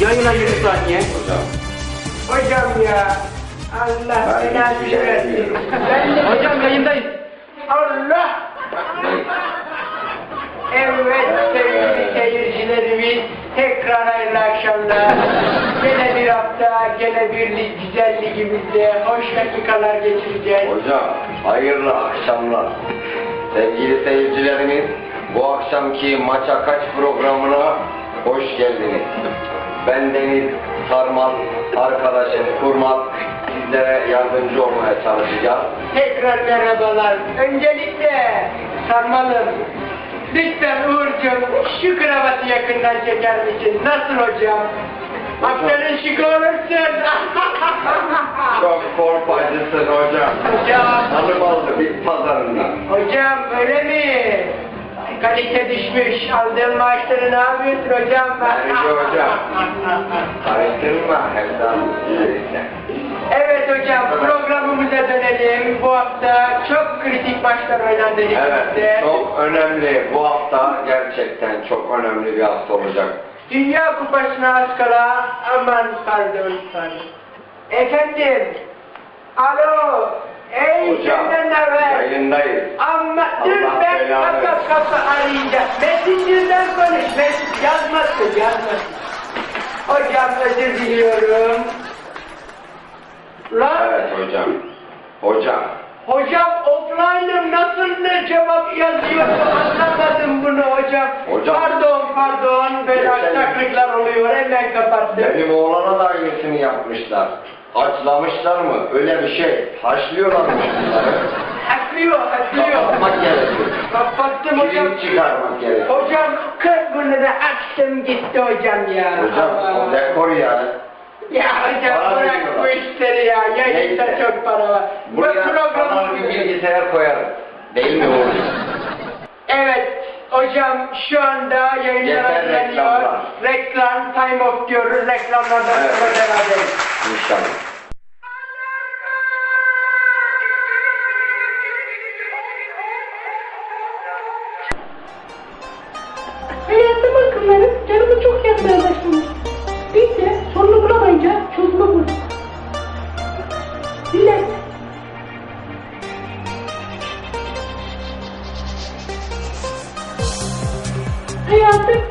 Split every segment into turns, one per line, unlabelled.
Yayına 20 saniye.
Hocam.
Hocam ya. Allah belanı versin.
Hocam yayındayız.
Allah. Evet sevgili seyircilerimiz, tekrar hayırlı akşamlar. Gene bir hafta, gene bir güzel ligimizde hoş dakikalar geçireceğiz.
Hocam, hayırlı akşamlar. Sevgili seyircilerimiz, bu akşamki Maça Kaç programına hoş geldiniz. Ben Deniz Sarmal, arkadaşım Kurmaz, sizlere yardımcı olmaya çalışacağız.
Tekrar merhabalar. Öncelikle Sarmalım, lütfen Uğur'cum şu kravatı yakından çeker misin? Nasıl hocam? Haftanın şık olursun.
Çok korkmacısın hocam.
Hocam.
Hanım aldı bit pazarından.
Hocam öyle mi? Kalite düşmüş. Aldığın maaşları ne yapıyorsun hocam?
Bence hocam. Karıştırma Evdan.
Evet hocam, programımıza dönelim. Bu hafta çok kritik maçlar oynandı
Evet,
ligimizde.
çok önemli. Bu hafta gerçekten çok önemli bir hafta olacak.
Dünya Kupası'na az kala, aman pardon. Efendim, alo, ey
Hocam,
senden ne haber?
yayındayız.
Ama dur
Allah
ben
belanı
kapı arayacağım. Messenger'den konuş, yazmasın. Hocam özür diliyorum. Lan,
Evet hocam. Hocam.
hocam offline'ım nasıl ne cevap yazıyorsun anlamadım bunu hocam.
Hocam.
Pardon böyle
Geçen-
aksaklıklar oluyor hemen kapattım.
Benim oğlana da aynısını yapmışlar. Açlamışlar mı? Öyle bir şey. Haşlıyorlarmış bunları.
Haklıyor.
Kapatmak gerekiyor.
Kapattım hocam.
Kilit çıkarmak gerekiyor.
Hocam 40 bunu da açtım gitti hocam ya.
Hocam o
Aman.
dekor ya.
Ya hocam
Para
bırak
veriyorlar.
bu işleri ya. Yayında
Neyse.
çok para var. Bu
Buraya
program...
kanal bir bilgisayar koyarım. Değil mi oğlum?
Evet hocam şu anda yayınlara
Yeter
geliyor.
reklamlar.
Reklam time off diyoruz. Reklamlardan
Evet.
sonra beraberiz.
İnşallah.
Hayatım akımları canımı çok yakmaya başlamış. Biz de sorunu bulamayınca çözümü bulduk. Bilet. Hayatım.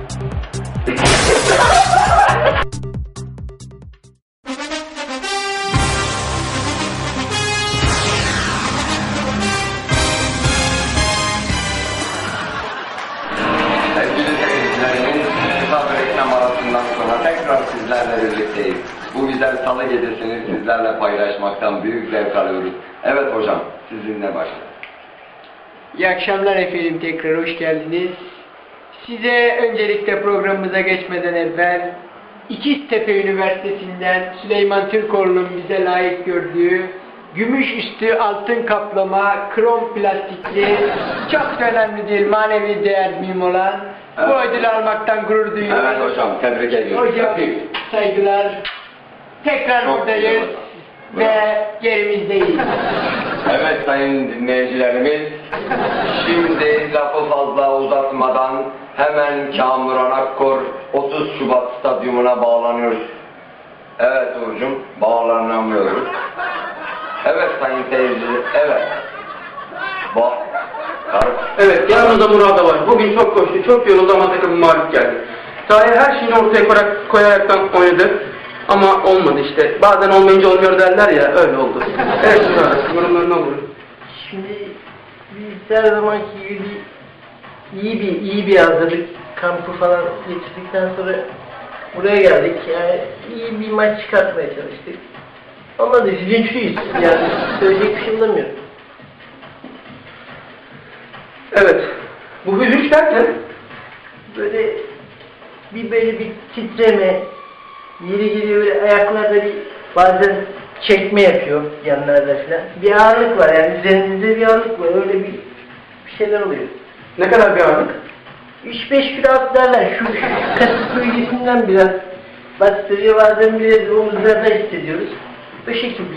Sevgili seyircilerimiz, kısa bir reklam arasından sonra tekrar sizlerle birlikteyiz. Bu güzel salı gecesini sizlerle paylaşmaktan büyük zevk alıyoruz. Evet hocam, sizinle başlayalım.
İyi akşamlar efendim, tekrar hoş geldiniz. Size öncelikle programımıza geçmeden evvel İkiztepe Üniversitesi'nden Süleyman Türkoğlu'nun bize layık gördüğü gümüş üstü altın kaplama krom plastikli çok da önemli değil manevi değer mühim olan bu
Evet.
ödülü almaktan gurur duyuyoruz.
Evet hocam, tebrik ediyorum.
Hocam saygılar. Tekrar
Çok
buradayız
güzel hocam.
ve yerimizdeyiz.
Evet sayın dinleyicilerimiz, şimdi lafı fazla uzatmadan hemen Kamuran Akkor 30 Şubat Stadyumuna bağlanıyoruz. Evet Uğur'cum, bağlanamıyoruz. Evet sayın seyirci, evet.
Evet, yanımızda Murat var. Bugün çok koştu, çok yoruldu ama takımı mağlup geldi. Sahaya her şeyini ortaya koyaraktan oynadı. Ama olmadı işte. Bazen olmayınca olmuyor derler ya, öyle oldu. Evet Murat, yorumlarını alalım.
Şimdi biz her zamanki gibi iyi bir hazırlık kampı falan geçirdikten sonra buraya geldik. Yani iyi bir maç çıkartmaya çalıştık. Ama da üzüntülüyüz. Yani söyleyecek bir şey bulamıyorum.
Evet, bu hüzünç derken
Böyle bir titreme, yeri geliyor böyle ayaklarda bir bazen çekme yapıyor yanlarda falan. Bir ağırlık var yani üzerinizde bir ağırlık var. Öyle bir şeyler oluyor.
ne kadar bir ağırlık?
3-5 kilo atlarlar. Şu kasık bölgesinden biraz bastırıyor. Bazen biraz omuzlarda hissediyoruz. Bu şekilde.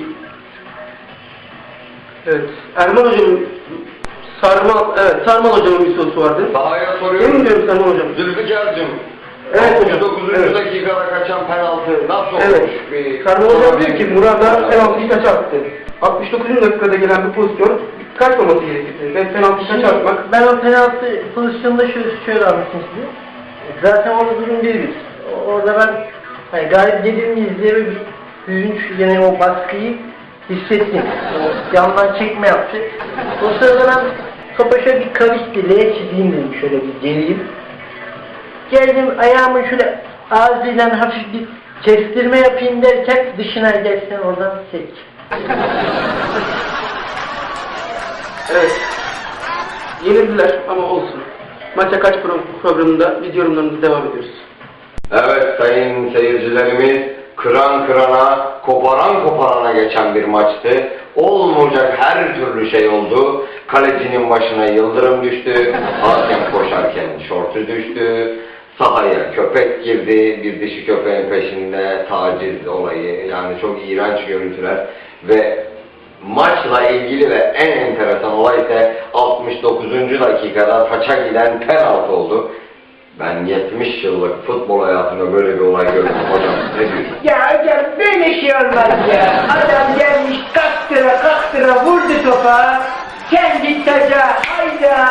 Evet, Erman hocamın Sarmal hocamın bir sorusu vardı.
Sahaya
Emin
soruyorum.
diyorum Sarmal hocam.
Zülfikar'cığım,
Evet hocam.
69.
Evet.
dakikada kaçan penaltı nasıl
Evet.
olmuş?
Sarı hocam diyor ki Murat'a penaltıyı kaç attı? 69. dakikada gelen bir pozisyon kaçmaması gerekirdi. Ve penaltıyı kaç atmak?
Ben o penaltı pozisyonunda şöyle anlatayım size. Zaten orada durum 1-1. Orada ben hani galip gelirimi izleyerek bir hüzün, yani o baskıyı hissettim. O yandan çekme yaptı. O sırada ben topa şöyle bir kavisli L çizeyim dedim, şöyle bir geleyim. Geldim ayağımı şöyle ağzıyla hafif bir kestirme yapayım derken dışına gelsen oradan sek.
Evet. Yenildiler ama olsun. Maça kaç programında biz yorumlarımıza devam ediyoruz.
Evet sayın seyircilerimiz, kıran kırana, koparan koparana geçen bir maçtı. Olmayacak her türlü şey oldu. Kalecinin başına yıldırım düştü, hakem koşarken şortu düştü, sahaya köpek girdi, bir dişi köpeğin peşinde taciz olayı, yani çok iğrenç görüntüler ve maçla ilgili ve en enteresan olay ise 69. dakikada taça giden penaltı oldu. Ben 70 yıllık futbol hayatımda böyle bir olay gördüm hocam. Ne diyorsun?
Ya hocam böyle şey olmaz ya. Adam gelmiş kaktıra vurdu topa. Kendi taca hayda.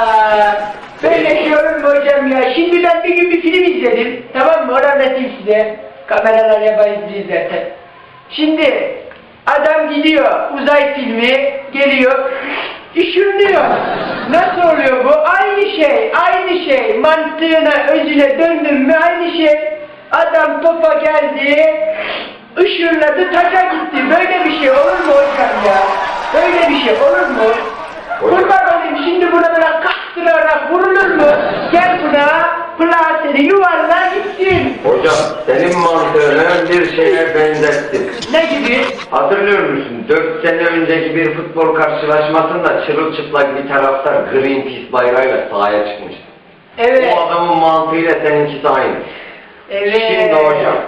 Böyle şey olur mu hocam ya? Şimdi ben bir gün bir film izledim. Tamam mı? Onu anlatayım size. Kameralar yabancı zaten. Şimdi adam gidiyor uzay filmi geliyor. Işınlıyor. Nasıl oluyor bu? Aynı şey. Mantığına, özüne döndün mü aynı şey. Adam topa geldi, ışınladı, taca gitti. Böyle bir şey olur mu hocam ya? Böyle bir şey olur mu? Kurban olayım, şimdi buna böyle kastırarak vurulur mu? Gel buna, plaseni yuvarla gitsin.
Hocam senin mantığını bir şeye benzettim.
Ne gibi?
Hatırlıyor musun? 4 sene önceki bir futbol karşılaşmasında çırılçıplak bir taraftar Greenpeace bayrağıyla sahaya çıkmıştı.
Evet.
O adamın mantığıyla seninkisi aynı.
Evet.
Şimdi hocam,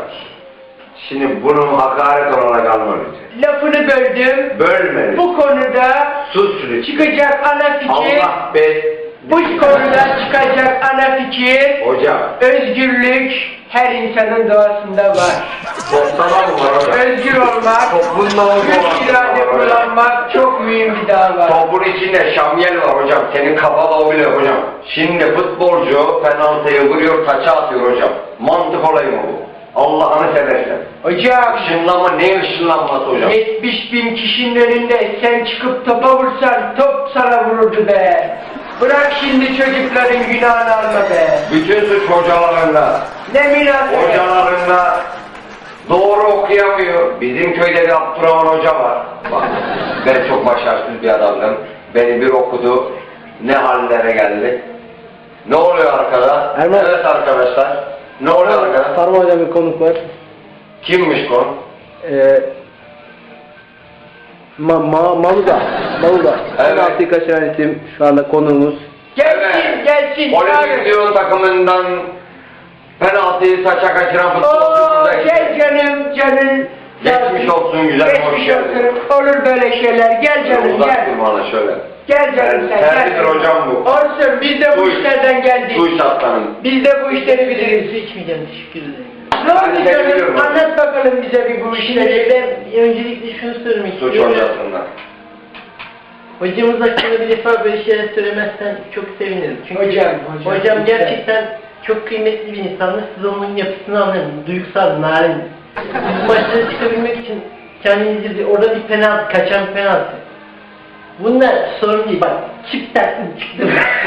şimdi bunu hakaret olarak alma lütfen.
Lafını böldüm.
Bölme.
Bu konuda
Sus lütfen.
çıkacak ana fikir,
Allah be.
bu konuda çıkacak ana fikir,
Hocam.
özgürlük her insanın doğasında var.
Topsana mı var hocam?
Özgür olmak,
Toplumda mı
güç irade kullanmak çok mühim bir dava var.
Topun içinde şamyel var hocam. Senin kafada o bile hocam. Şimdi futbolcu penaltıyı vuruyor, taça atıyor hocam. Mantık olayı mı bu? Allah'ını seversen.
Hocam,
Işınlama ne ışınlanması hocam?
70.000 kişinin önünde sen çıkıp topa vursan top sana vururdu be. Bırak şimdi çocukların günahını alma be.
Bütün suç hocalarında.
Ne münasebet.
Hocalarında doğru okuyamıyor. Bizim köyde bir Abdurrahman hoca var. Bak, ben çok başarısız bir adamdım. Beni bir okudu. Ne hallere geldi. Ne oluyor arkada?
Erman.
Evet arkadaşlar. Ne oluyor arkada?
Sarma hocam bir konuk var.
Kimmiş konu?
Maluda.
Evet.
Penaltıyı kaçıran isim şu anda konuğumuz.
Gelsin.
Olimpiyat takımından penaltıyı saça kaçıran futbolcu
Oo,
burada.
gel canım.
Geçmiş olsun güzel, hoş
Geçmiş
geldin.
olsun. Olur böyle şeyler. Gel canım
Uzak
gel.
dur bana şöyle.
Gel canım sen
Terlidir
gel.
hocam bu.
Olsun biz de bu
Duy.
işlerden geldik.
Duy aslanım.
Biz de bu işleri biliriz.
Su içmeyeceğim, teşekkür ederim.
Ne oldu
Ben de biliyorum.
canım? Anlat bakalım bize bir bu
Şimdi
işleri.
ben öncelikle şunu söylemek
Suç
istiyorum.
hocasından.
Hocamız hakkında bir defa böyle şeyler söylemezsen çok sevinirim. Çünkü
Hocam
hocam
lütfen.
gerçekten çok kıymetli bir insandır. Siz onun yapısını anlayın. Duygusal, narin. Biz maçlara çıkabilmek için kendimizi orada bir penaltı, kaçan penaltı. Bunlar sorun değil. Bak çift taktım çıktım.